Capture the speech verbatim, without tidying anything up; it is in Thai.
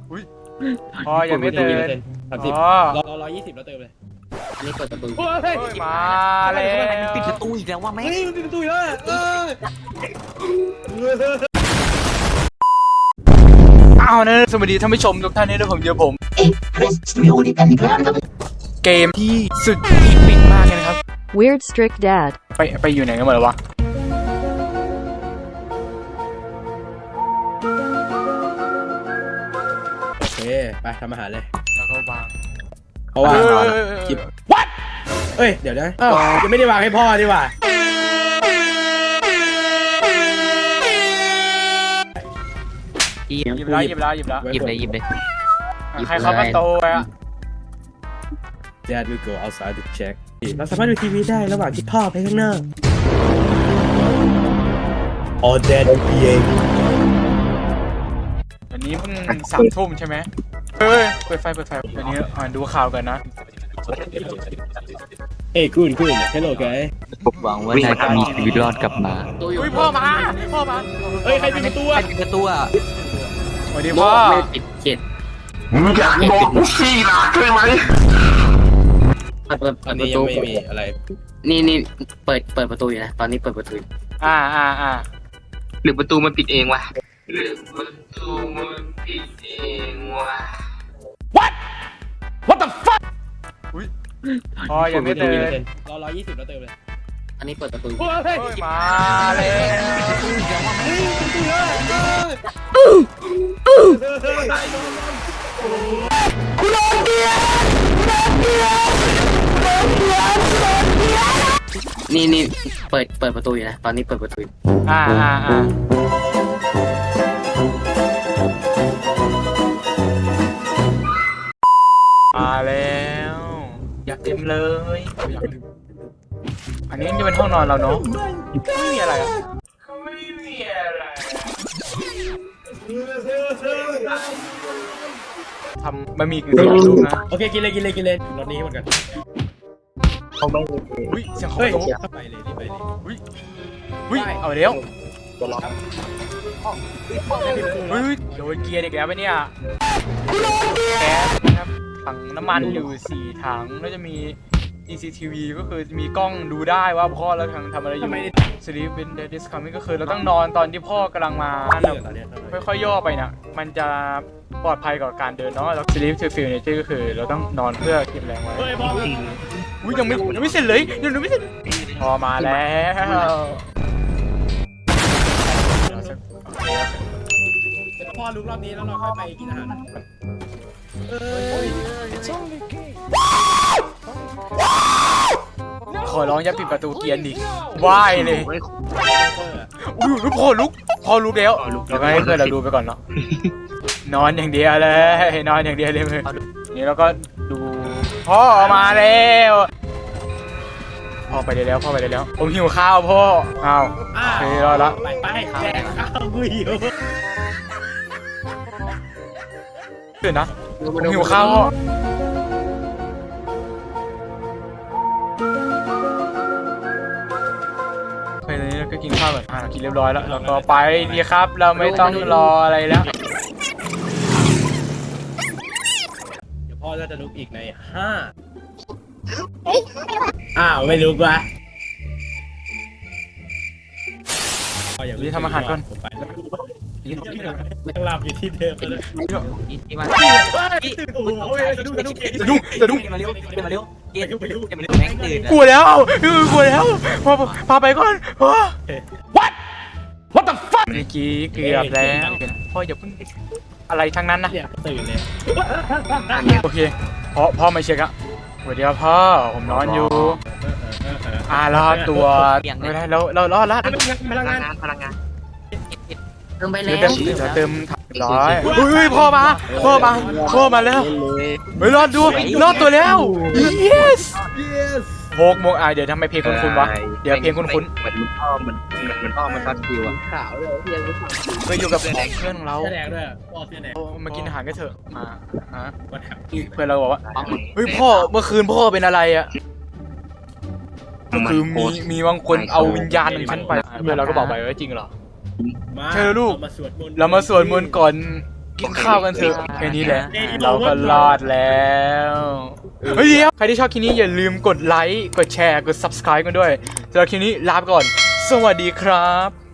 อุ้ยพอยังไม่เติมสามสิบอ๋อรอรอร้อยยี่สิบแล้วเติมเลยนี่เปิดประตูโอ้ยมาแล้วปิดประตูอีกแล้วว่าแม่เฮ้ยมันปิดประตูอีกแล้วเอออ้าวนะสวัสดีท่านผู้ชมทุกท่านด้วยผมเดียวผมเกมที่สุดอีพิกมากเลยนะครับ Weird Strict Dad ไปไปอยู่ไหนกันหมดแล้ววะโอเคไปทำอาหารเลยแล้วก็วางเพราะว่าเออคลิป what เอ้ยเดี๋ยวนะอ้าวยังไม่ได้วางให้พ่อดีกว่าหยิบหยิบแล้วหยิบแล้วหยิบแล้วหยิบเลยหยิบเลย หยิบใครเข้ามาโตไปอ่ะ Dad will go outside to check เราสามารถดูทีวีได้ระหว่างที่พ่อไปข้างนอก All Dadพีเอวันนี้เพิ่งสามทุ่มใช่ไหมเฮ้ยเปิดไฟเปิดไฟวันนี้อ่านดูข่าวกันนะเอ้ยคุณคุณ Hello guy ผมหวังว่านายจะมีชีวิตรอดกลับมาอุ้ยพ่อมาพ่อมาเฮ้ยใครปิดประตูใครอ่ะปิดประตูอ่ะสวัสดีพ่อไม่ปิดเขตมึงอยากบอกกูขี้หนักใช่ไหมเปิดเปิดอัเปินดประตูนี้ยังไม่มีอะไรนี่นี่เปิดเปิดประตูอยู่นะตอนนี้เปิดประตูอยู่อ่าอ่าอ่าหรือประตูมันปิดเองวะหรือประตูมันปิดเองวะ What the fuck อุ้ยพ่อยังไม่เติมรอร้อยยี่สิบแล้วเติมเลยอันนี้เปิดประตูโอ้ยเฮ้ยเฮ้ยมาแล้วเฮ้ยประตูเลยคุณโดนเกียร์นี่นี่เปิดเปิดประตูอยู่นะตอนนี้เปิดประตูอยู่อ่าอ่าอ่ามาแล้วอยากเต็มเลยอยากดื่มอันนี้จะเป็นห้องนอนเราเนาะไม่มีอะไรอ่ะไม่มีอะไรทำบะหมี่กึ่งสำเร็จรูปนะโอเคกินเลยกินเลยกินเลยรถนี้หมดกันอุ้ยเสียงของเฮ้ยโต๊ะไปเลยรีบไปเลยอุ้ยอุ้ยเอาเร็วอุ้ยโดนเกียร์อีกแล้วปะเนี่ยแก๊สนะครับถังน้ำมันอยู่สี่ถังแล้วจะมี ซี ซี ที วี ก็คือมีกล้องดูได้ว่าพ่อเรากำลังทำอะไรอยู่ Sleep when Dad is coming ก็คือเราต้องนอนตอนที่พ่อกำลังมาตอนนี้ค่อยๆย่อไปนะมันจะปลอดภัยกับการเดินเนาะแล้ว Sleep to feel nature ก็คือเราต้องนอนเพื่อเก็บแรงไว้เฮ้ยพ่ออุ้ยยังไม่ยังไม่เสร็จเลยยังไม่เสร็จพอมาแล้วพ่อลุกรอบนี้แล้วเราค่อยไปกินอาหารเอ้ยขอร้องอย่าปิดประตูเกียร์ดิว่ายเลยอุ้ยลูกพ่อลุกพ่อลุกแล้วแล้วก็ให้เพื่อนเราดูไปก่อนเนาะนอนอย่างเดียวเลยนอนอย่างเดียวเลยมือนี่เราก็ดูพ่อมาแล้วพ่อไปได้แล้วพ่อไปได้แล้วผมหิวข้าวพ่ออ้าวโอเครอละไปไปแดกข้าวกูหิวเดี๋ยวนะผมหิวข้าวพ่อโอเคตอนนี้เราก็กินข้าวก่อนอ่ากินเรียบร้อยแล้วแล้วก็ไปดีครับเราไม่ต้องรออะไรแล้วเดี๋ยวพ่อจะลุกอีกในห้าอ้าวไม่ลุกวะนี่ทำอาหารก่อนผมไปแล้วยังหลับอยู่ที่เดิมเลยที่มาโอ้ยสะดุ้งสะดุ้งสะดุ้งสะดุ้งมาเร็วมาเร็วเกมมาเร็วแม่งตื่นกลัวแล้วเออกลัวแล้วพอพาไปก่อนพ่อ What What the fuck เมื่อกี้เกือบแล้วพ่ออย่าเพิ่งอะไรทั้งนั้นนะเนี่ยตื่นเลยโอเคพ่อพ่อมาเช็คอะสวัสดีครับพ่อผมนอนอยู่อ่ารอดตัวไม่ได้เราเรารอดแล้วพลังงานพลังงานเติมไปแล้เดี๋ยววเดี๋ยวเติมถังร้อยอุ้ยพ่อมาพ่อมาพ่อมาแล้วเฮ้ยรอดดูรอดตัวแล้ว yes โฮกโมงอ่ะเดี๋ยวทำไมเพลงคุ้นๆวะเดี๋ยวเพลงคุ้นเหมือนลูกพ่อเหมือนเหมือนเหมือนพ่อมันซัดคิวอะขาวเลยเพียงๆเคยอยู่กับเพื่อนของเราเสื้อแดงด้วยพ่อเสื้อแดงมากินอาหารกันเถอะมาฮะวันแฮปเพื่อนเราบอกว่าเฮ้ยพ่อเมื่อคืนพ่อเป็นอะไรอะก็คือมีมีบางคนเอาวิญญาณของฉันไปเพื่อนเราก็บอกไปว่าจริงเหรอมาเชิญลูกเรามาสวดมนต์เรามาสวดมนต์ก่อนกินข้าวกันเถอะแค่นี้แหละเราก็รอดแล้วเฮ้ยเดี๋ยวใครที่ชอบคลิปนี้อย่าลืมกดไลค์กดแชร์กด ซับสไครบ์ กันด้วยสำหรับคลิปนี้ลาไปก่อนสวัสดีครับ